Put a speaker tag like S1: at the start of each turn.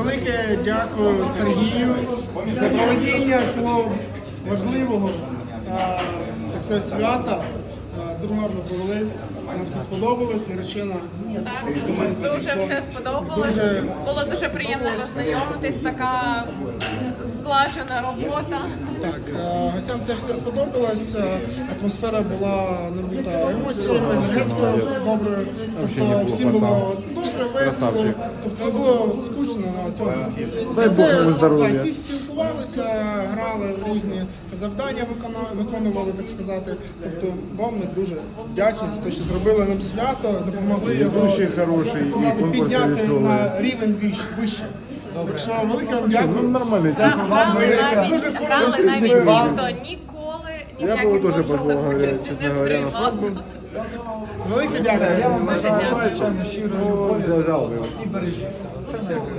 S1: велике дякую Сергію за проведення цього важливого так сказати, свята. Дуже гарно провели. Нам все сподобалось, наречена.
S2: Так, дуже все сподобалось. Було дуже приємно познайомитись, така злажена робота.
S1: Так, гостям теж все сподобалось. Атмосфера була набута емоціями, енергетикою доброю. Тобто всім було добре, весело. Тобто не було скучно на цьому весіллі.
S3: Дай Бог йому здоров'я.
S1: Всі спілкувалися, грали в різні завдання, виконували, так сказати. Тобто вам ми дуже вдячні за те, що зробили нам свято, допомогли його
S3: Дуже хороший,
S1: так сказати,
S3: і конкурси
S1: підняти
S3: веселі.
S1: на рівень вище. Так що велике вам дякую.
S3: Ну нормально.
S2: Грали навіть ті, хто ніколи ні в
S3: Я
S2: яких
S3: був дуже
S2: конкурсах
S3: позволив,
S2: участі
S3: чесно
S2: не
S3: говоря, на
S2: приймав.
S3: свадьбу.
S1: Велике дякую.
S2: Дуже дякую.
S3: Взяв би.
S4: І бережіться. Це не